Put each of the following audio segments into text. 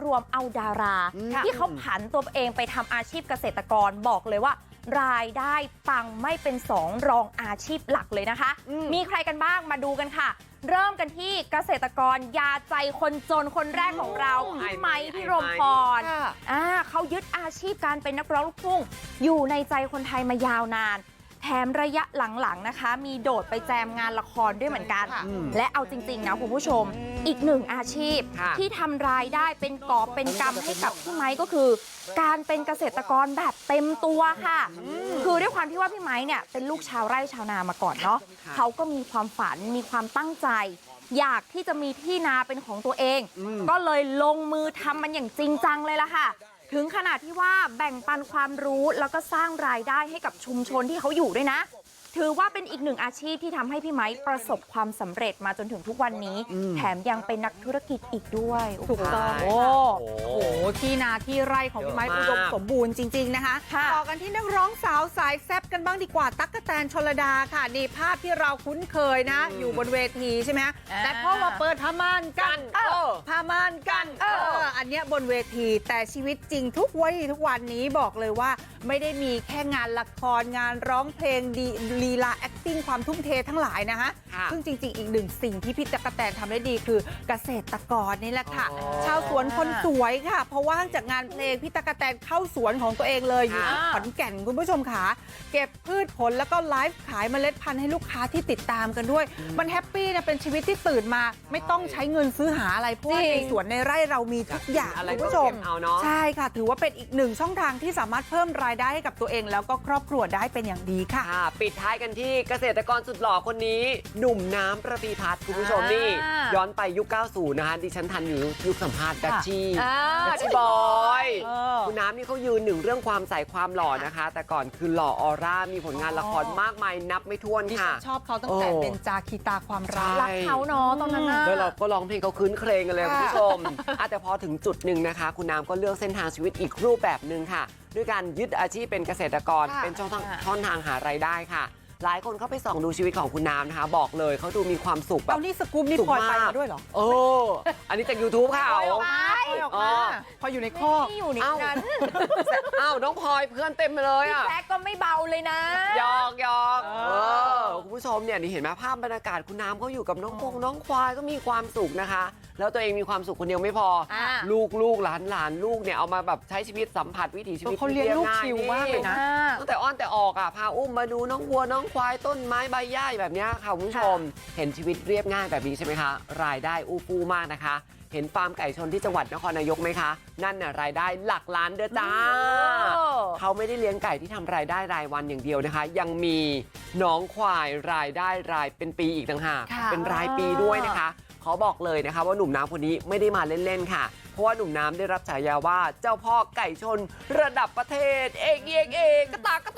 วมเอาดาราที่เขาผันตัวเองไปทำอาชีพเกษตรกรบอกเลยว่ารายได้ปังไม่เป็นสองรองอาชีพหลักเลยนะคะมีใครกันบ้างมาดูกันค่ะเริ่มกันที่เกษตรกรยาใจคนจนคนแรกของเราพี่ไมค์พี่รมพรเขายึดอาชีพการเป็นนักร้องลูกทุ่งอยู่ในใจคนไทยมายาวนานแถมระยะหลังๆนะคะมีโดดไปแจมงานละครด้วยเหมือนกันและเอาจริงๆนะคุณผู้ชมอีกหนึ่งอาชีพที่ทำรายได้เป็นกอบเป็นกำให้กับพี่ไมค์ก็คือการเป็นเกษตรกรแบบเต็มตัวค่ะคือด้วยความที่ว่าพี่ไมค์เนี่ยเป็นลูกชาวไร่ชาวนามาก่อนเนาะเขาก็มีความฝันมีความตั้งใจอยากที่จะมีที่นาเป็นของตัวเองก็เลยลงมือทำมันอย่างจริงจังเลยล่ะค่ะถึงขนาดที่ว่าแบ่งปันความรู้แล้วก็สร้างรายได้ให้กับชุมชนที่เขาอยู่ด้วยนะถือว่าเป็นอีกหนึ่งอาชีพที่ทำให้พี่ไมค์ประสบความสำเร็จมาจนถึงทุกวันนี้แถมยังเป็นนักธุรกิจอีกด้วยถูกต้องโอ้โหที่นาที่ไร่ของพี่ไมค์อุดมสมบูรณ์จริงๆนะคะต่อกันที่นักร้องสาวสายแซ่บกันบ้างดีกว่าตั๊กแตนชลดาค่ะนี่ภาพที่เราคุ้นเคยนะอยู่บนเวทีใช่ไหมแต่พอมาเปิดผ้าม่านกันผ้าม่านกันอันเนี้ยบนเวทีแต่ชีวิตจริงทุกวันนี้บอกเลยว่าไม่ได้มีแค่งานละครงานร้องเพลงดีลีลา acting ความทุ่มเททั้งหลายนะคะซึ่งจริงๆอีกหนึ่งสิ่งที่พี่ตั๊กแตนทำได้ดีคือเกษตรกรนี่แหละค่ะชาวสวนคนสวยค่ะเพราะว่างจากงานเพลงพี่ตั๊กแตนเข้าสวนของตัวเองเลยอยู่ที่ขอนแก่นคุณผู้ชมค่ะเก็บพืชผลแล้วก็ไลฟ์ขายเมล็ดพันธุ์ให้ลูกค้าที่ติดตามกันด้วยมันแฮปปี้นะเป็นชีวิตที่ตื่นมาไม่ต้องใช้เงินซื้อหาอะไรเพราะในสวนในไร่เรามีทุกอย่างคุณผู้ชมใช่ค่ะถือว่าเป็นอีกหนึ่งช่องทางที่สามารถเพิ่มรายได้ให้กับตัวเองแล้วก็ครอบครัวได้เป็นอย่างดีค่ะปิดท้ายกันที่เกษตรกรสุดหล่อคนนี้หนุ่มน้ำประพีพัฒน์คุณผู้ชมนี่ย้อนไปยุค 90 นะคะดิฉันทันอยู่ยุคสัมภาษณ์ดัชชี่บอยคุณน้ำนี่เขายืนหนึ่งเรื่องความใสความหล่อนะคะแต่ก่อนคือหล่อออร่ามีผลงานละครมากมายนับไม่ถ้วนค่ะชอบเขาตั้งแต่เป็นจาคีตาความรักเขาเนาะตอนนั้นแล้วเราก็ร้องเพลงเขาคืนเครงกันเลยคุณผู้ชมแต่พอถึงจุดหนึ่งนะคะคุณน้ำก็เลือกเส้นทางชีวิตอีกรูปแบบหนึ่งค่ะด้วยการยึดอาชีพเป็นเกษตรกรเป็นช่องทางหารายได้ค่ะหลายคนเข้าไปส่องดูชีวิตของคุณน้ำนะคะบอกเลยเขาดูมีความสุขแบบนี่สกู๊ปนี่พลอยไปมาด้วยเหรออันนี้จาก YouTube ค่ะพออยู่ในข้อที่อยู่ในนั้นน้องพลอยเพื่อนเต็มเลยอ่ะแซกก็ไม่เบาเลยนะยอกคุณผู้ชมเนี่ยนี่เห็นไหมภาพบรรยากาศคุณน้ำเขาอยู่กับน้องควายก็มีความสุขนะคะแล้วตัวเองมีความสุขคนเดียวไม่พอลูกหลานลูกเนี่ยเอามาแบบใช้ชีวิตสัมผัสวิถีชีวิตเขาเลี้ยงลูกชิวมากเลยนะตั้งแต่อ้อนแต่ออกพาอุ้มมาดูน้องวัวน้องควายต้นไม้ใบหญ้าแบบนี้ค่ะคุณผู้ชมเห็นชีวิตเรียบง่ายแบบนี้ใช่ไหมคะรายได้อู้ฟู่มากนะคะเห็นฟาร์มไก่ชนที่จังหวัดนครนายกไหมคะนั่นน่ะรายได้หลักล้านเด้อจ้าเขาไม่ได้เลี้ยงไก่ที่ทำรายได้รายวันอย่างเดียวนะคะยังมีน้องควายรายได้รายเป็นปีอีกต่างหากเป็นรายปีด้วยนะคะเขาบอกเลยนะคะว่าหนุ่มน้ำคนนี้ไม่ได้มาเล่นๆค่ะเพราะว่าหนุ่มน้ำได้รับฉายาว่าเจ้าพ่อไก่ชนระดับประเทศเอกกระตาก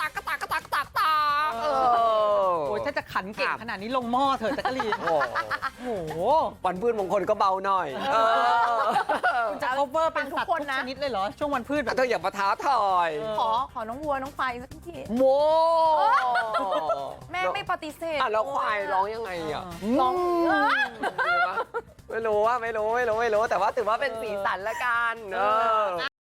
โอ้ยถ้าจะขันเก่งขนาดนี้ลงหม้อเถอะจักรีนโอ้โหวันพืชมงคลก็เบาหน่อยคุณจะ cover เป็นสัตว์ทุกชนิดเลยเหรอช่วงวันพืชเธออย่ามาท้าทายขอน้องวัวน้องควายสักทีโมแม่ไม่ปฏิเสธแล้วควายร้องยังไงร้องไม่รู้แต่ว่าถือว่าเป็นสีสันละกัน